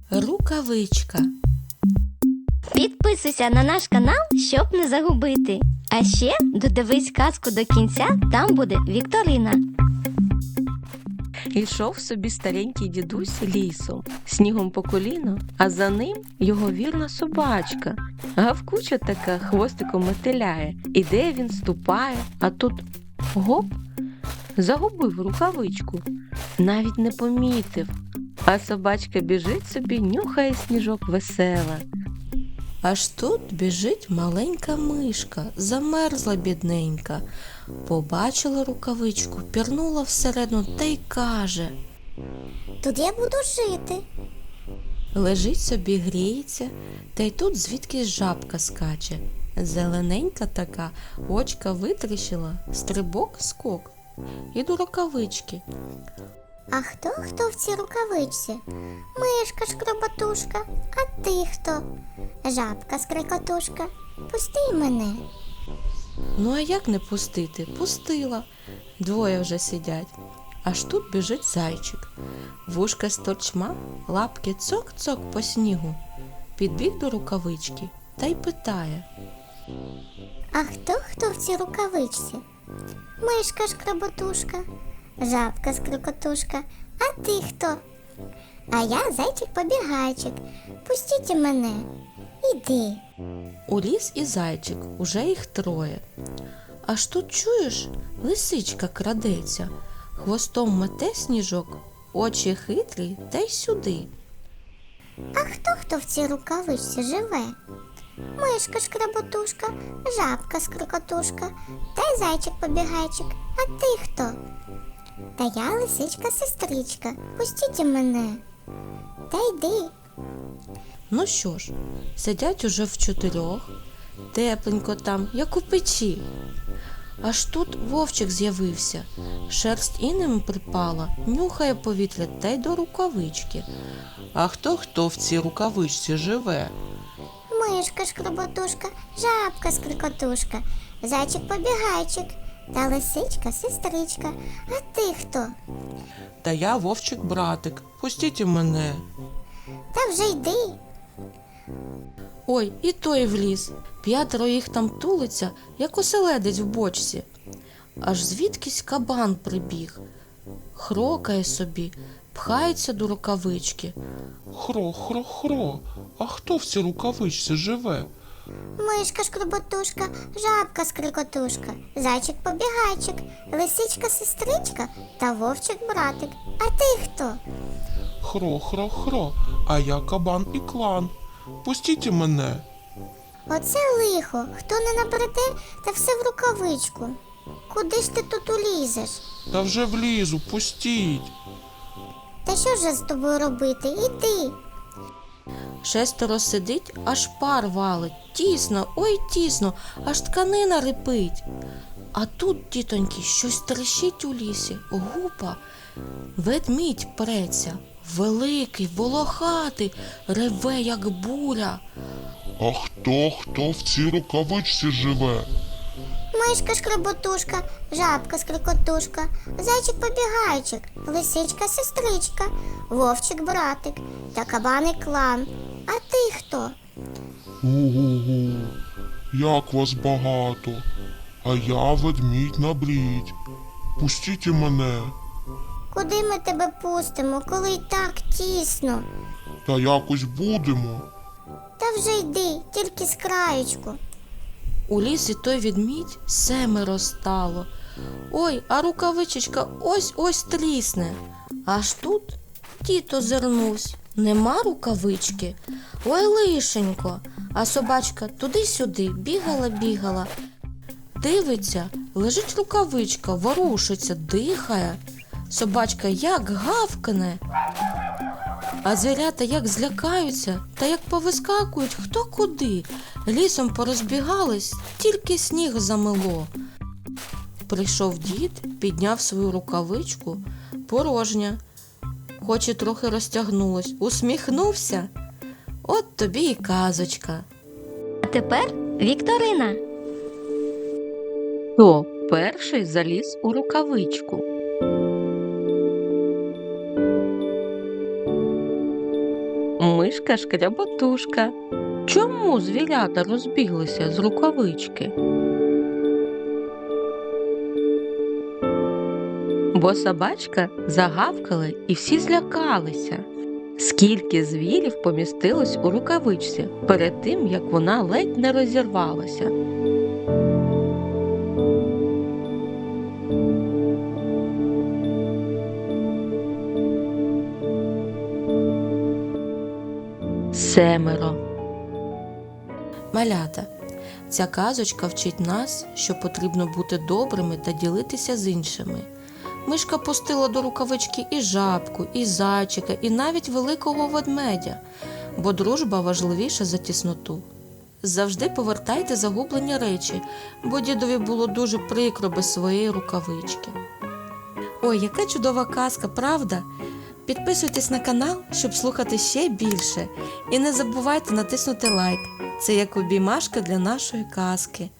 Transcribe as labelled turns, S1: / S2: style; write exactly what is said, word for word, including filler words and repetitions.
S1: Рукавичка.
S2: Підписуйся на наш канал, щоб не загубити. А ще додивись казку до кінця, там буде вікторина.
S1: Йшов собі старенький дідусь лісом, снігом по коліно, а за ним його вірна собачка. Гавкуча така, хвостиком мотиляє. Іде він, ступає, а тут гоп, загубив рукавичку. Навіть не помітив. А собачка біжить собі, нюхає сніжок весела. Аж тут біжить маленька мишка, замерзла бідненька. Побачила рукавичку, пірнула всередину та й каже:
S3: Тут я буду жити.
S1: лежить собі, гріється, та й тут звідкись жабка скаче. Зелененька така, очка витріщила, стрибок, скок. І до рукавички.
S3: А хто хто в цій рукавичці? Мишка шкроботушка. А ти хто? Жабка скрикотушка. Пусти мене.
S1: Ну а як не пустити? Пустила. Двоє вже сидять. Аж тут біжить зайчик. Вушка з торчма, лапки цок-цок по снігу. Підбіг до рукавички та й питає:
S3: А хто хто в цій рукавичці? Мишка шкроботушка. Жабка скрикотушка. А ти хто? А я зайчик-побігайчик. Пустіть мене. Іди.
S1: у ліс і зайчик, уже їх троє. Аж тут, чуєш, лисичка крадеться, хвостом мете сніжок, очі хитрі та й сюди.
S3: А хто хто в цій рукавичці живе? Мишка шкроботушка, жабка скрикотушка та й зайчик-побігайчик. А ти хто? Та я лисичка-сестричка. Пустіть мене. Та йди.
S1: Ну що ж, сидять уже в чотирьох, тепленько там, як у печі. Аж тут вовчик з'явився, шерсть інем припала, нюхає повітря та й до рукавички.
S4: А хто хто в цій рукавичці живе?
S3: Мишка шкроботушка, жабка скрикотушка, зайчик-побігайчик та лисичка-сестричка. А ти хто?
S4: Та я вовчик-братик. Пустіть мене.
S3: Та вже йди.
S1: Ой, і той вліз. П'ятеро їх там тулиться, як оселедець в бочці. Аж звідкись кабан прибіг. Хрокає собі, пхається до рукавички.
S4: Хро, хро, хро. А хто в цій рукавичці живе?
S3: Мишка шкроботушка, жабка скрикотушка, зайчик-побігайчик, лисичка-сестричка та вовчик-братик. А ти хто?
S4: Хро, хро, хро. А я кабан і клан. Пустіть мене.
S3: Оце лихо, хто не набреде, та все в рукавичку. Куди ж ти тут улізеш?
S4: Та вже влізу, пустіть.
S3: Та що ж з тобою робити? Іди.
S1: Шестеро сидить, аж пар валить. Тісно, ой тісно, аж тканина рипить. А тут, тітоньки, щось трещить у лісі. Гупа. Ведмідь преться. Великий, волохатий, реве, як буря.
S5: А хто, хто в цій рукавичці живе?
S3: Мишка шкроботушка, жабка скрикотушка, зайчик-побігайчик, лисичка-сестричка, вовчик-братик та кабаник-клан. А ти хто?
S5: Ого-го, як вас багато. А я ведмідь на брідь. Пустіть мене.
S3: Куди ми тебе пустимо, коли й так тісно?
S5: Та якось будемо.
S3: Та вже йди, тільки з краєчку.
S1: У лісі той ведмідь семеро стало. Ой, а рукавичечка ось-ось трісне. Аж тут дід озирнувсь. Нема рукавички. Ой, лишенько. А собачка туди-сюди бігала-бігала. Дивиться, лежить рукавичка, ворушиться, дихає. Собачка як гавкне. А звірята як злякаються, та як повискакують хто куди. Лісом порозбігались, тільки сніг замело. Прийшов дід, підняв свою рукавичку, порожня. Хоч і трохи розтягнулась, усміхнувся. От тобі і казочка.
S2: А тепер вікторина.
S1: Хто перший заліз у рукавичку? мишка шкряботушка. Чому звірята розбіглися з рукавички? Бо собачка загавкала і всі злякалися. Скільки звірів помістилось у рукавичці перед тим, як вона ледь не розірвалася? Семеро.
S6: Малята, ця казочка вчить нас, що потрібно бути добрими та ділитися з іншими. Мишка пустила до рукавички і жабку, і зайчика, і навіть великого ведмедя, бо дружба важливіша за тісноту. Завжди повертайте загублені речі, бо дідові було дуже прикро без своєї рукавички. Ой, яка чудова казка, правда? Підписуйтесь на канал, щоб слухати ще більше. І не забувайте натиснути лайк. Це як обіймашка для нашої казки.